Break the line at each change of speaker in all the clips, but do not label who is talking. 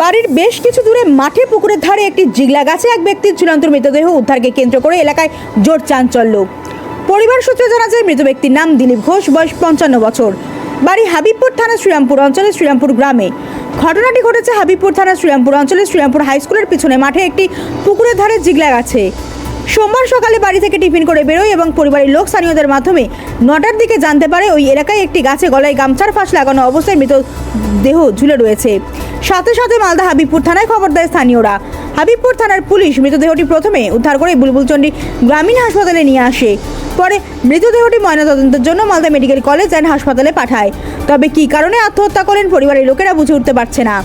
বাড়ির বেশ কিছু দূরে মাঠে পুকুরের ধারে একটি জিগলা গাছে এক ব্যক্তির ঝুলন্ত মৃতদেহ উদ্ধারকে কেন্দ্র করে এলাকায় জোর চাঞ্চল্য। পরিবার সূত্রে জানা যায় মৃত ব্যক্তির নাম দিলীপ ঘোষ, বয়স 55 বছর। বাড়ি হাবিবপুর থানা শ্রীরামপুর অঞ্চলের শ্রীরামপুর গ্রামে। ঘটনাটি ঘটেছে হাবিবপুর থানা শ্রীরামপুর অঞ্চলের শ্রীরামপুর হাই স্কুলের পিছনে মাঠে একটি পুকুরের ধারে জিগলা গাছে। সোমবার সকালে বাড়ি থেকে টিফিন করে বেরোয় এবং পরিবারের লোক স্থানীয়দের মাধ্যমে 9টার দিকে জানতে পারে ওই এলাকায় একটি গাছে গলায় গামছার ফাঁস লাগানো অবস্থায় মৃতদেহ ঝুলে রয়েছে। সাথে সাথে মালদা হাবিবপুর থানায় খবর দেয় স্থানীয়রা। হাবিবপুর থানার পুলিশ মৃতদেহটি প্রথমে উদ্ধার করে বুলবুলচন্ডী গ্রামীণ হাসপাতালে নিয়ে আসে। পরে মৃতদেহটি ময়নাতদন্তের জন্য মালদা মেডিকেল কলেজ অ্যান্ড হাসপাতালে পাঠায়। তবে কী কারণে আত্মহত্যা করেন পরিবারের লোকেরা বুঝে উঠতে পারছে না।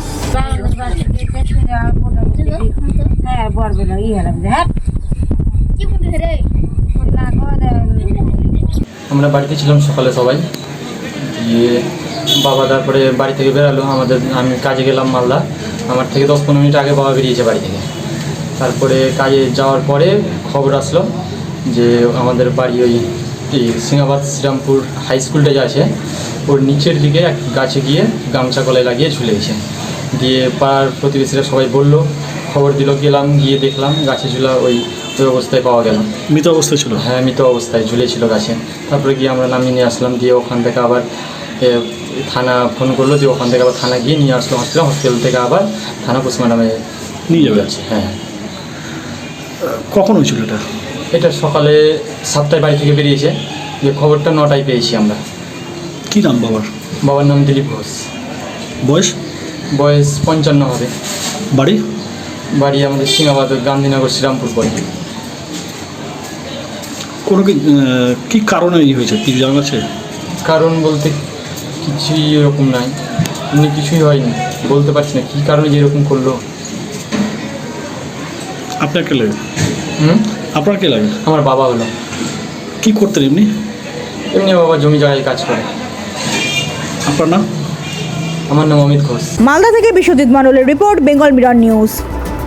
আমরা বাড়িতে ছিলাম সকালে সবাই, দিয়ে বাবা তারপরে বাড়ি থেকে বেরালো। আমি কাজে গেলাম মালদা, আমার থেকে 10-15 মিনিট আগে বাবা বেরিয়েছে বাড়ি থেকে। তারপরে কাজে যাওয়ার পরে খবর আসলো যে আমাদের বাড়ি ওই সিংহাবাদ শ্রীরামপুর হাই স্কুলটা যে আছে ওর নিচের দিকে এক গাছে গিয়ে গামছা গলায় লাগিয়ে ঝুলে গেছে। দিয়ে পাড়ার প্রতিবেশীরা সবাই বললো, খবর দিল, গেলাম, গিয়ে দেখলাম গাছে ঝুলা ওই অবস্থায় পাওয়া গেল।
মৃত অবস্থায় ছিল?
হ্যাঁ, মৃত অবস্থায় ঝুলেছিল গাছে। তারপরে গিয়ে আমরা নামিয়ে নিয়ে আসলাম, দিয়ে ওখান থেকে আবার থানা ফোন করলো, দিয়ে ওখান থেকে আবার থানা গিয়ে নিয়ে আসলো হসপিটাল থেকে আবার থানা পোস্টমর্টমে
নিয়ে যাবে আছে।
হ্যাঁ।
কখন হয়েছিল এটা?
এটা সকালে 7টায় বাড়ি থেকে বেরিয়েছে, যে খবরটা 9টায় পেয়েছি আমরা।
কী নাম বাবার?
বাবার নাম দিলীপ ঘোষ।
বয়স
55 হবে।
বাড়ি?
বাড়ি আমাদের সিংহাবাদ, গান্ধীনগর, শ্রীরামপুর পরে।
কোনো কী কারণে হয়েছে কি জানা আছে?
কারণ বলতে কিছুই এরকম নাই, এমনি কিছুই হয়নি, বলতে পারছি না কী কারণে যে এরকম করলো।
আপনার কে লাগে? আপনার কে লাগে?
আমার বাবা হলো।
কী করতেন এমনি?
এমনি বাবা জমি জায়গায় কাজ করে।
আপনার নাম?
আমার নাম অমিত ঘোষ।
মালদা থেকে বিশ্বজিৎ মণ্ডলের রিপোর্ট, বেঙ্গল মিরর নিউজ।